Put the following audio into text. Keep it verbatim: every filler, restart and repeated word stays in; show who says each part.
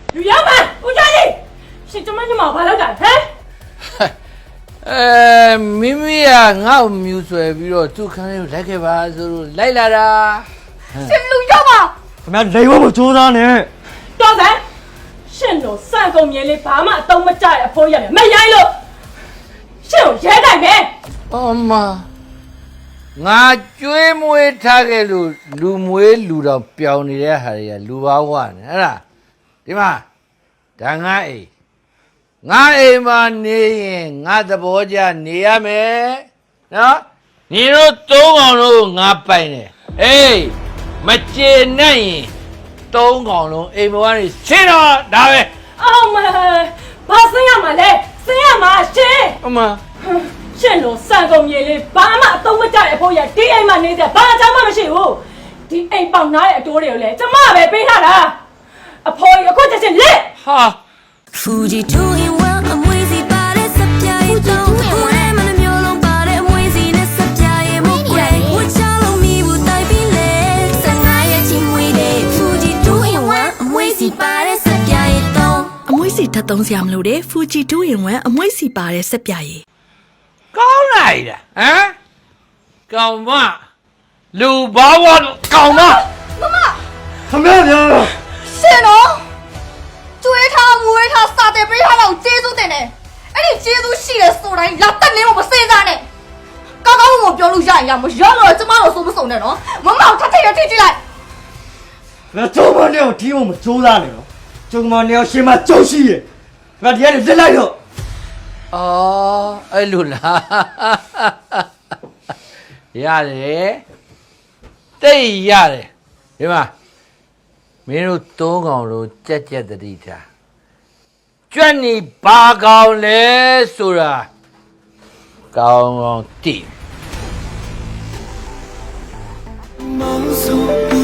Speaker 1: လူရောက်ပါဦးကျော်ကြီးရှင်ကျမညီမဘာလုပ်တာဟမ်
Speaker 2: အဲမိမိကငါ့ကိုမြူဆွဲပြီးတော့သူ့ခန်းလေးကိုလိုက်ခဲ့ပါဆိုလို့လိုက်လာတာ
Speaker 1: ရှင်လူရောက်ပါ
Speaker 3: ခင်ဗျာလိန်ဝဲမကြိုးစားနဲ့
Speaker 1: တော်စမ်းရှင်တို့စံကုန်မြင်လေးဘာမှအသုံးမကျတဲ့အဖိုးရမယ်မရိုင်းလို့ရှင်ကိုရဲတိုင်မယ်
Speaker 2: အော်မငါကျွေးမွေးထားခဲ့လို့လူမွေးလူတော်ပျောင်နေတဲ့ဟာတွေကလူဘာဝနဲ့ဟဲ့လားဒီမှာဒါငါအိမ်ငါအိမ်မှာနေရင်ငါသဘောကျနေရမယ်နော်ညီတို့သုံးကောင်လုံးငါပိုင်တယ်အေးမကျေနပ်ရင်သုံးကောင်လုံးအိမ်ဘဝနေရှင်းတော့ဒါပဲ
Speaker 1: အော်မဘာစင်းရမှာလဲစင်းရမှာရှင်
Speaker 2: အမ
Speaker 1: ရှင်တို့စံကုန်မြေလေးဘာမှအသုံးမကျတဲ့အဖိုးရဒီအိမ်မှာနေတယ်ဘာအကြောင်းမှမရှိဘူးဒီအိမ်ပေါင်နားတဲ့အတိုးတွေကိုလည်းကျမပဲပေးထားတာအဖိုးရအခုချက်ချင်းလက်
Speaker 2: ဟာ
Speaker 4: Fuji two in one အမွေးစီပါတဲ့စပြားရဲ့တောင်းဘဝနဲ့မနှမျိုးလုံးပါတဲ့အမွေးစီနဲ့စပြားရဲ့မကွယ်ဝချလုံးမီဘူးတိုက်ပြီးလေစငါရဲ့ချီမွေးတဲ့ Fuji two in one အမွေးစီပါတဲ့စပြားရဲ့တောင်း
Speaker 5: အမွေးစီထပ်သုံးစရာမလိုတဲ့ Fuji two in one အမွေးစီပါတဲ့စပြားရဲ့
Speaker 2: ကောင်းလိုက်တာဟမ်ကောင်မလူဘာဝကောင်မ
Speaker 1: မမ
Speaker 3: ခင်ဗျာဗျာ
Speaker 1: ရှင်တော့ကျွေးထားမွေးထားစာတယ်ပေးထားတော့ကျေးဇူးတင်တယ်အဲ့ဒီကျေးဇူးရှိတယ်ဆိုတိုင်းလာတက်နေမမစေးစားနဲ့ကောင်းကောင်းမပြောလို့ရရင်ရမရောတော့ကျမတို့စိုးမစုံနဲ့နော်မမထထရထိကြည့်လိုက်
Speaker 3: ငါကျုံမနဲ့ကိုဒီမမကြိုးစားနဲ့နော်ကျုံမနဲ့ရှင်မကြုံရှိရဲ့ငါဒီကနေလက်လိုက်တော့
Speaker 2: အော်အဲ့လိုလားရတယ်တိတ်ရတယ်ဒီမှာမင်းတို့သုံးကောင်လုံးကြက်ကြက်တတိထားကြွက်နေဘာကောင်လဲဆိုတာကောင်းကောင်းသိ
Speaker 4: 梦诉